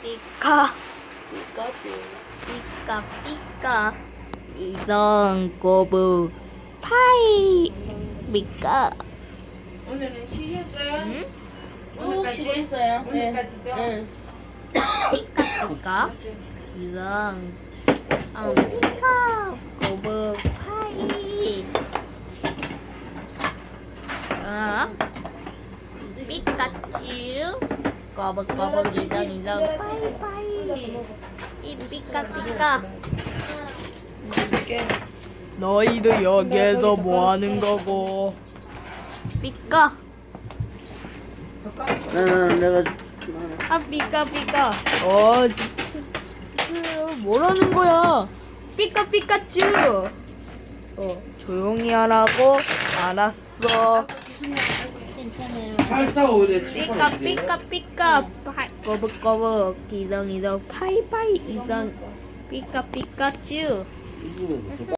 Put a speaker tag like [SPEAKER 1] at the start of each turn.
[SPEAKER 1] 삐까
[SPEAKER 2] 피카츄.
[SPEAKER 1] 삐까 삐까 이런 거북 파이 삐까
[SPEAKER 3] 오늘은 쉬셨어요?
[SPEAKER 1] 응?
[SPEAKER 2] 쭉 쉬고 있어요.
[SPEAKER 3] 오늘까지죠?
[SPEAKER 2] 네.
[SPEAKER 1] 삐까 삐까 이런 삐까 거북 파이 삐까츄 거북 이런 파이 이 삐까 삐까
[SPEAKER 2] 너희도 여기에서 뭐 하는 거고?
[SPEAKER 1] 삐까
[SPEAKER 2] 내가
[SPEAKER 1] 삐까 삐까 뭐라는 거야? 삐까 삐까츄 조용히 하라고. 알았어. 괜찮아요.
[SPEAKER 4] 8451에
[SPEAKER 1] 삐까 삐까 삐까 거북 이런 파이파이 이런 삐까 삐까츄